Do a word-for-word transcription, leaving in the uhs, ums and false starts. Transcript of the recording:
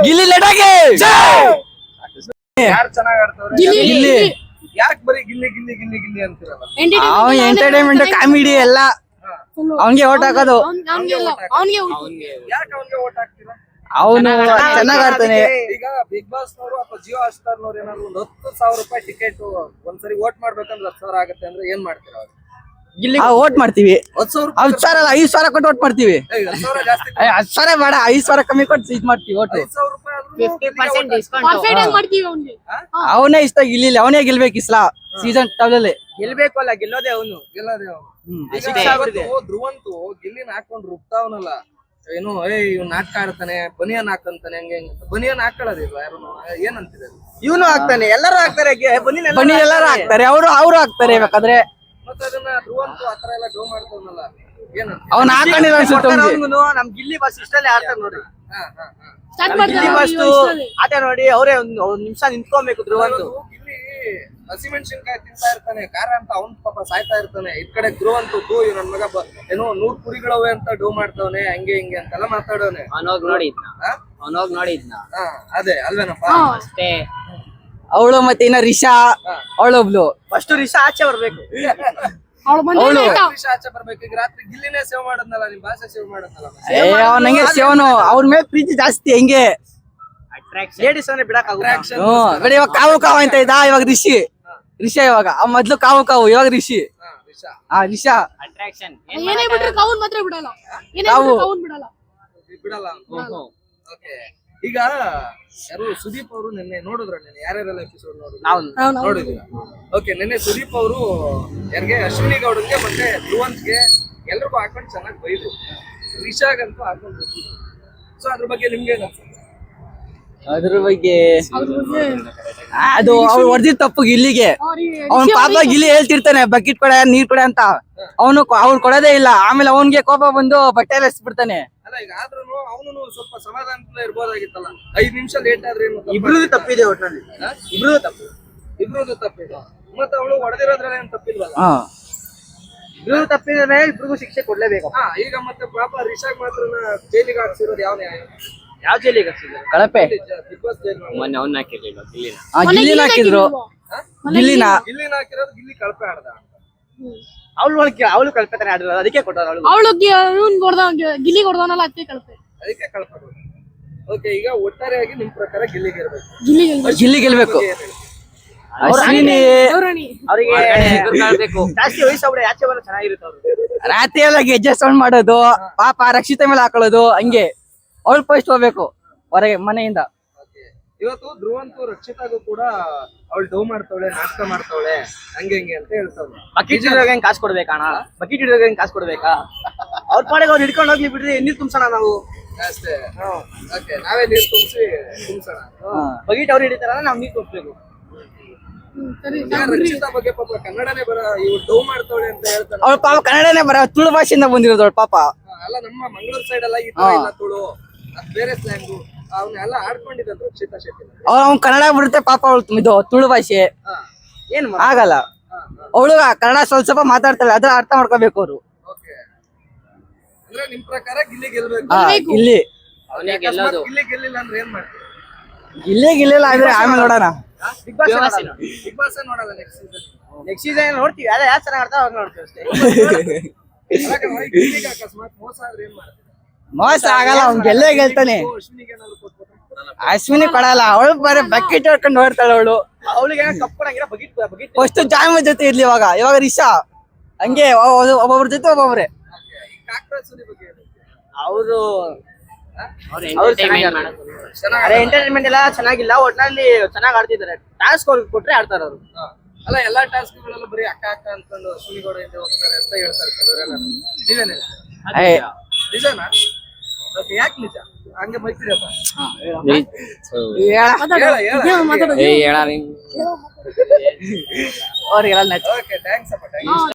ಗಿಲ್ಲಿ ಲಡಾಗೆ ಯಾರು ಚೆನ್ನಾಗ್ ಆಡ್ತವ್ರೆ? ಗಿಲ್ಲಿ ಗಿಲ್ಲಿ ಯಾಕೆ ಬರೀ ಗಿಲ್ಲಿ ಗಿಲ್ಲಿ ಗಿಲ್ಲಿ ಗಿಲ್ಲಿ ಅಂತಿರಲ್ಲ? ಅವನ್ ಎಂಟರ್ಟೈನ್ಮೆಂಟ್ ಕಾಮಿಡಿ ಎಲ್ಲ ಅವನ್ಗೆ ಓಟ್ ಹಾಕೋದು. ಅವನ್ಗೆ ಯಾಕೆ ಅವನ್ಗೆ ಓಟ್ ಹಾಕ್ತೀರಾ? ಅವನು ಚೆನ್ನಾಗ್ ಆಡ್ತಾನೆ. ಈಗ ಬಿಗ್ ಬಾಸ್ ನವರು ಅಥವಾ ಜಿಯೋ ಹಾಟ್ಸ್ಟಾರ್ ನವರು ಏನಾದ್ರು ಒಂದ್ ಹತ್ತು ಸಾವಿರ ರೂಪಾಯಿ ಟಿಕೆಟ್ ಒಂದ್ಸರಿ ಓಟ್ ಮಾಡ್ಬೇಕಂದ್ರೆ ಹತ್ತು ಸಾವಿರ ಆಗುತ್ತೆ ಅಂದ್ರೆ ಏನ್ ಮಾಡ್ತೀರಾ? ಗಿಲ್ಲಿ ಓಟ್ ಮಾಡ್ತೀವಿ. ಹತ್ತು ಸಾವಿರ ಹತ್ತು ಸಾವಿರ ಅಲ್ಲ ಐದ್ ಸಾವಿರ ಕೊಟ್ಟು ಓಟ್ ಮಾಡ್ತೀವಿ. ಹತ್ತು ಸಾವಿರ ಜಾಸ್ತಿ ಏ, ಹತ್ತು ಸಾವಿರ ಬೇಡ, ಐದ್ ಸಾವಿರ ಕಮ್ಮಿ ಕೊಟ್ಟು ಇದ್ ಮಾಡ್ತೀವಿ ಓಟು. ಐದು ಸಾವಿರ ರೂಪಾಯಿ ಆದ್ರೂ ಫಿಫ್ಟಿ ಪರ್ಸೆಂಟ್ ಡಿಸ್ಕೌಂಟ್ ಪರ್ಫೆಕ್ಟ್ ಆಗಿ ಮಾಡ್ತೀವಿ ಅವನ್ಗೆ. ಅವನೇ ಇಷ್ಟ ಗಿಲ್ಲಿ, ಅವನೇ ಗೆಲ್ಬೇಕು ಇಸ್ಲಾ ಸೀಸನ್ ಟವಲಲ್ಲಿ. ಗೆಲ್ಬೇಕು ಅಲ್ಲ ಗೆಲ್ಲೋದೇ ಅವನು. ಗೆಲ್ಲದೆ ಅವನು. ಈಗ ಅಷ್ಟೇ. ಇವತ್ತು ಧ್ರುವಂತು ಗಿಲ್ಲಿನ ಹಾಕೊಂಡು ರುಬ್ತಾವನಲ್ಲ, ಏನು ಏ ಇವ್ ನಾಟಕ ಆಡ್ತಾನೆ, ಬನಿಯನ್ ಹಾಕಂತಾನೆ, ಹಂಗೆ ಹಂಗೆ ಅಂತ. ಬನಿಯನ್ ಹಾಕೊಳ್ಳೋದಿಲ್ವಾ ಯಾರು? ಏನಂತಿದೆ? ಇವನು ಹಾಕ್ತಾನೆ, ಎಲ್ಲರೂ ಹಾಕ್ತಾರೆ. ಬನ್ನಿ ಬನ್ನಿ ಎಲ್ಲರೂ ಹಾಕ್ತಾರೆ, ಅವರು ಅವ್ರು ಹಾಕ್ತಾರೆ ಬೇಕಾದ್ರೆ. ಮತ್ತೆ ಅದನ್ನ ಧ್ರುವಂತು ಆತರ ಎಲ್ಲ ಡೋ ಮಾಡ್ತಾವನಲ್ಲ, ಏನಂತ? ಅವ್ನ ಹಾಕೊಂಡಿಲ್ಲ ಅನ್ಸುತ್ತೆ ಅವ್ನಿಗೆ. ನಮ್ ಗಿಲ್ಲಿ ಬಸ್ ಇಷ್ಟಲ್ಲೇ ಆಡ್ತಾರೆ ನೋಡಿ. ಹಾ ಹಾ ಹಾ ಸ್ಟಾರ್ಟ್ ಗಿಲ್ಲಿ ಬಸ್ ಮಾಡ್ತಾರೆ. ಆಟ ನೋಡಿ ಅವರೇ ಒಂದ್ ಒಂದ್ ನಿಮಿಷ ನಿಂತ್ಕೊಬೇಕು ಧ್ರುವಂತು. ಇಲ್ಲಿ ಹಸಿಮೆಣಸಿನ್ಕಾಯಿ ತಿಂತಾ ಇರ್ತಾನೆ, ಖಾರ ಅಂತ ಅವ್ನ್ ಪಾಪ ಸಾಯ್ತಾ ಇರ್ತಾನೆ. ಈ ಕಡೆ ಧ್ರುವಂತು ತೂ ಇವ್ ನನ್ ಮಗ ಬ- ಏನೋ ನೂರ್ ಕುರಿಗಳವೆ ಅಂತ ಡೋ ಮಾಡ್ತಾವನೆ, ಹಂಗೆ ಹಿಂಗೆ ಅಂತೆಲ್ಲ ಮಾತಾಡೋನೆ. ಅವನೋಗ್ ನೋಡಿದ್ನ ಹಾ? ಅವನೋಗ್ ನೋಡಿದ್ನ ಹಾ ಅದೇ ಅಲ್ವೇನಪ್ಪ? ಅಷ್ಟೇ. ಅವಳು ಮತ್ತೆ ಇನ್ನ ರಿಷಾ ಅವಳೊಬ್ಳು. ಫಸ್ಟ್ ರಿಷಾ ಆಚೆ ಬರ್ಬೇಕು. ಅವಳು ಬಂದ್ರೆ ಆಯ್ತಾ? ವಿಷ ಆಚೆ ಬರ್ಬೇಕು. ಈಗ ರಾತ್ರಿ ಗಿಲ್ಲಿನೇ ಸೇವ್ ಮಾಡದ್ನಲ್ಲ, ನಿಮ್ ಭಾಷೆ ಸೇವ್ ಮಾಡದ್ನಲ್ಲ. ಏ ಅವನಂಗೆ ಶಿವನು, ಅವ್ರ ಮೇಲೆ ಪ್ರೀತಿ ಜಾಸ್ತಿ ಹೆಂಗೆ. ಅಟ್ರಾಕ್ಷನ್ ಲೇಡೀಸ್ ಅಂದ್ರೆ ಬಿಡಕ್ ಆಗುತ್ತೆ. Action. ಹ್ಮ್ ಬೇಡ, ಇವಾಗ ಕಾವು ಕಾವು ಅಂತ ಇದ್ದ, ಇವಾಗ ರಿಷಿ ರಿಷಾ. ಇವಾಗ ಅವ್ ಮೊದ್ಲು ಕಾವು ಕಾವು, ಇವಾಗ ರಿಷಿ. ಹಾ, ವಿಷ. ಆ ರಿಷಾ ಅಟ್ರಾಕ್ಷನ್ ಏನೇ ಬಿಟ್ರು ಕೌನ್ ಮಾತ್ರ ಬಿಡಲ್ಲ. ಏನೇ ನಾವು- ಬಿಟ್ರು ಕೌನ್ ಬಿಡಲ್ಲ. ಬಿಡಲ್ಲ ಅಂತ. ಓಕೆ. ಈಗ ಯಾರು ಸುದೀಪ್ ಅವರು ನಿನ್ನೆ ನೋಡಿದ್ರ? ನಿನ್ನೆ ಯಾರ್ಯಾರೆಲ್ಲ ಎಪಿಸೋಡ್ ನೋಡಿದ್ರು? ನಾವು ನಾವು- ನಾವು- ನೋಡಿದ್ರ? ಓಕೆ. ನಿನ್ನೆ ಸುದೀಪ್ ಅವರು ಯಾರಿಗೆ, ಅಶ್ವಿನಿ ಗೌಡನ್ಗೆ ಮತ್ತೆ ಧ್ರುವಂತ್ಗೆ ಎಲ್ರಿಗೂ ಹಾಕೊಂಡು ಚೆನ್ನಾಗಿ ಬೈದ್ರು. ರಿಷಾಗಂತೂ ಹಾಕೊಂಡು ಸೊ ಅದ್ರ ಬಗ್ಗೆ ನಿಮ್ಗೆ ಏನ್ ಅನ್ಸುತ್ತೆ? ಅದ್ರ ಬಗ್ಗೆ ಅದ್ರ ಬಗ್ಗೆ ಅದು ಅವ್ರು ಹೊಡೆದಿದ್ ತಪ್ಪು ಗಿಲ್ಲಿಗೆ. ಅವ್ರಿಗೆ ಅವ್ನ್ ಪಾಪ ಗಿಲ್ಲಿ ಹೇಳ್ತಿರ್ತಾನೆ ಬಕೆಟ್ ಕೊಡ ನೀರ್ ಕೊಡ ಅಂತ, ಅವನು ಅವ್ರು ಕೊಡೋದೇ ಇಲ್ಲ. ಆಮೇಲೆ ಅವನ್ಗೆ ಕೋಪ ಬಂದು ಬಟ್ಟೆ ಎಲ್ಲ ಎಸ್ಬಿಡ್ತಾನೆ. ಅಲ್ಲ ಈಗ ಆದ್ರೂ ಅವನು ಸ್ವಲ್ಪ ಸಮಾಧಾನದಿಂದ ಇರ್ಬೋದಾಗಿತ್ತಲ್ಲ. ಐದ್ ನಿಮಿಷ ಲೇಟ್ ಆದ್ರೆ ಏನು ತಪ್ಪಾ? ಇಬ್ರದ್ದು ತಪ್ಪಿದೆ ಒಟ್ನಲ್ಲಿ. ಹಾ? ಇಬ್ರದ್ದು ತಪ್ಪು. ಇಬ್ರದ್ದು ತಪ್ಪಿದೆ. ಮತ್ತೆ ಅವಳು ಹೊಡೆದಿರೋದ್ರಲ್ಲಿ ಏನ್ ತಪ್ಪಿಲ್ವಲ್ಲ? ಹಾ ಇಬ್ರದ್ದು ತಪ್ಪಿದ್ರೆ ಇಬ್ರಿಗೂ ಶಿಕ್ಷೆ ಕೊಡ್ಲೇಬೇಕು. ಹಾ ಈಗ ಮತ್ತೆ ಪಾಪ ರಿಷಾಗ್ ಮಾತ್ರ ಜೈಲಿಗೆ ಹಾಕ್ಸಿರೋದು ಯಾವ ನ್ಯಾಯ? ಯಾವ ಜೈಲಿಗೆ ಹಾಕ್ಸಿದ್ರು? ಕಳಪೆ. ಬಿಗ್ ಬಾಸ್ ಜೈಲ್ ಮೊನ್ನೆ ಅವ್ನ ಹಾಕಿರ್ಲಿಲ್ಲ ಗಿಲ್ಲಿನ. ಆ ಗಿಲ್ಲಿನ ಹಾಕಿದ್ರು, ಗಿಲ್ಲಿನ. ಗಿಲ್ಲಿನ ಹಾಕಿರೋದು ಗಿಲ್ಲಿ ಕಳಪೆ ಆಡ್ದ. ಅವಳು ಅವಳು ಕಲ್ಪನೆ ಆಡಿರೋದು, ಅದಕ್ಕೆ ಕೊಟ್ಟರು ಅವಳು. ಅವಳು ಇವ್ನ್ ಕೊಡ್ದ ಗಿಲ್ಲಿ ಕೊಡ್ದವನಲ್ಲ ಅದಕ್ಕೆ ಕಳಪೆ. ಅದಕ್ಕೆ ಕಳಪೆ. ಓಕೆ. ಈಗ ಒಟ್ಟಾರೆಯಾಗಿ ನಿಮ್ ಪ್ರಕಾರ ಗಿಲ್ಲಿಗೆ ಇರ್ಬೇಕು. ಗಿಲ್ಲಿ ಗೆಲ್ಬೇಕು. ಗಿಲ್ಲಿ ಗೆಲ್ಬೇಕು. ಅಶ್ವಿನಿ ದೇವ್ರಾಣಿ. ಅವರಿಗೆ ಜಾಸ್ತಿ ವಯಸ್ಸಾಗ್ಬಿಡ, ಆಚೆ ಬರೋ ಚೆನ್ನಾಗಿರುತ್ತೆ ಅವ್ರು. ರಾತ್ರಿ ಎಲ್ಲ ಗೆಜ್ಜೆ ಸೌಂಡ್ ಮಾಡೋದು, ಪಾಪ ರಕ್ಷಿತ ಮೇಲೆ ಹಾಕೊಳ್ಳೋದು, ಹಂಗೆ ಅವಳು ಫಸ್ಟ್ ಹೋಗ್ಬೇಕು ಹೊರಗೆ ಮನೆಯಿಂದ. ಓಕೆ. ಇವತ್ತು ಧ್ರುವಂತು ರಕ್ಷಿತಾಗೂ ಕೂಡ ಅವಳು ಡೋ ಮಾಡ್ತಾವಳೆ, ನಾಟಕ ಮಾಡ್ತಾವಳೆ, ಹಂಗೆ ಹಂಗೆ ಅಂತ ಹೇಳ್ತಾವ್ಳೆ. ಬಕೆಟ್ ಹಿಡಿಯೋಕೆ ಹೆಂಗ್ ಕಾಸು ಕೊಡ್ಬೇಕಾ? ಬಕೆಟ್ ಹಿಡಿಯೋಕೆ ಹೆಂಗ್ ಕಾಸು ಕೊಡ್ಬೇಕಾ? ಅವ್ರ ಪಾಡಿಗೆ ಅವ್ರು ಹಿಡ್ಕೊಂಡು ಹೋಗ್ಲಿ ಬಿಡ್ರಿ, ನೀರ್ ತುಂಬಿಸೋಣ ನಾವು ಅಷ್ಟೇ. ಓಕೆ. ನಾವೇ ನೀರು ತುಂಬಿಸಿ ತುಂಬಿಸೋಣ. ಬಕೆಟ್ ಅವ್ರು ಹಿಡಿತಾರ, ನಾವು ನೀರ್ ತುಂಬಿಸ್ಬೇಕು. ಹ್ಮ್, ಸರಿ ಈಗ ರಕ್ಷಿತಾ ಬಗ್ಗೆ ಪಾಪ ಕನ್ನಡನೇ ಬರ, ಇವ್ ಡೋ ಮಾಡ್ತಾವಳೆ ಅಂತ ಹೇಳ್ತಾನೆ. ಅವಳು ಪಾಪ ಕನ್ನಡನೇ ಬರ, ತುಳು ಭಾಷೆಯಿಂದ ಬಂದಿರೋದು ಅವಳು ಪಾಪ. ಅಲ್ಲ ನಮ್ಮ ಮಂಗಳೂರು ಸೈಡ್ ಎಲ್ಲ ಈ ತರ ಇಲ್ಲ, ತುಳು ಅದ್ ಬೇರೆ ಸ್ಲ್ಯಾಂಗು ಅವನ್ನೆಲ್ಲ ಆಡ್ಕೊಂಡಿದ್ದಾನೆ ರಕ್ಷಿತಾ ಶೆಟ್ಟಿ. ಅವ್ಳು ಅವ್ನ್ ಕನ್ನಡ ಬಿಡುತ್ತೆ ಪಾಪ, ಅವಳು ಇದು ತುಳು ಭಾಷೆ ಹಾ ಏನ್ ಆಗಲ್ಲ. ಹಾ ಹಾ. ಅವಳು ಕನ್ನಡ ಸ್ವಲ್ಪ ಸ್ವಲ್ಪ ಮಾತಾಡ್ತಾಳೆ, ಅದ್ರ ಅರ್ಥ ಮಾಡ್ಕೋಬೇಕು ಅವ್ರು. ಓಕೆ. ಅಂದ್ರೆ ನಿಮ್ ಪ್ರಕಾರ ಗಿಲ್ಲಿ ಗೆಲ್ಬೇಕು. ಹಾ ಗಿಲ್ಲಿ ಅವನೇ ಅಕಸ್ಮಾತ್ ಗೆಲ್ಲೋದು. ಗಿಲ್ಲಿ ಗೆಲ್ಲಿಲ್ಲ ಅಂದ್ರೆ ಏನ್ ಮಾಡ್ತೀವಿ? ಗಿಲ್ಲೇ ಗಿಲ್ಲಿಲ್ಲ ಅಂದ್ರೆ ಆಮೇಲೆ ನೋಡೋಣ. ಬಿಗ್ ಬಾಸ್ ನೋಡಲ್ಲ. ಬಿಗ್ ಬಾಸ್ ನೋಡಲ್ಲ ನೆಕ್ಸ್ಟ್ ಸೀಸನ್. ನೆಕ್ಸ್ಟ್ ಸೀಸನ್ ನೋಡ್ತೀವಿ, ಅದೇ ಯಾರು ಚೆನ್ನಾಗಿ ಆಡ್ತಾವ ಅವ್ರು ನೋಡ್ತೀವಿ ಅಷ್ಟೇ. ಗಿಲ್ಲಿಗೆ ಅಕಸ್ಮಾತ್ ಮೋಸ ಆದ್ರೆ ಏನ್ ಮಾಡ್ತೀವಿ? ಮೋಸ ಆಗಲ್ಲ, ಅವ್ನ್ ಗೆಲ್ಲೇ ಗೆಲ್ತಾನೆ. ಅಶ್ವಿನಿಗೆ ಏನಾದ್ರು ಕೊಟ್ಬಿಟ್ರೆ ಅಶ್ವಿನಿ ಕೊಡಲ್ಲ, ಅವಳು ಬರೀ ಬಕೆಟ್ ಹೊಡ್ಕೊಂಡು ನೋಡ್ತಾಳೆ ಅವಳು. ಅವಳಿಗೆ ಕಪ್ ಕೊಡಂಗಿಲ್ಲ, ಬಕೆಟ್ ಬಕೆಟ್ ಫಸ್ಟ್ ಜಾಮ ಜೊತೆ ಇರ್ಲಿ, ಇವಾಗ ಇವಾಗ ರಿಷಾ ಹಂಗೆ ಒಬ್ಬೊಬ್ರ ಜೊತೆ ಒಬ್ಬೊಬ್ರೆ. ಈ ಕಾಕ್ರೋಚ್ ಸುನಿ ಬಗ್ಗೆ ಏನು? ಅವರು ಚೆನ್ನಾಗ್ ಎಂಟರ್ಟೈನ್ಮೆಂಟ್ ಎಲ್ಲ ಚೆನ್ನಾಗಿಲ್ಲ, ಒಟ್ನಲ್ಲಿ ಚೆನ್ನಾಗಿ ಆಡ್ತಿದ್ದಾರೆ. ಟಾಸ್ಕ್ ಅವ್ರಿಗೆ ಕೊಟ್ರೆ ಆಡ್ತಾರೆ ಅವರು. ಹಾ. ಅಲ್ಲ ಎಲ್ಲಾ ಟಾಸ್ಕ್ಗಳಲ್ಲೂ ಬರೀ ಅಕ್ಕ ಅಕ್ಕ ಅನ್ಕೊಂಡು ಅಶ್ವಿನಿ ಗೌಡ ಹಿಂದೆ ಹೋಗ್ತಾರೆ ಅಂತ ಹೇಳ್ತಾರೆ ಕೆಲವರೆಲ್ಲ. ನೀವೇನಿಲ್ಲ ನಿಜನಾ? ಓಕೆ. ಯಾಕೆ ನಿಜ ಹಂಗೆ ಬೈತೀರಪ್ಪ? ಮಾತಾಡು. ಹೇಳ ಹೇಳ ಇದೇನು ಮಾತಾಡೋದು? ಅವ್ರಿಗೆಲ್ಲ ಓಕೆ. ಥ್ಯಾಂಕ್ಸ್ ಅಪ್ಪ. ಥ್ಯಾಂಕ್ಸ್.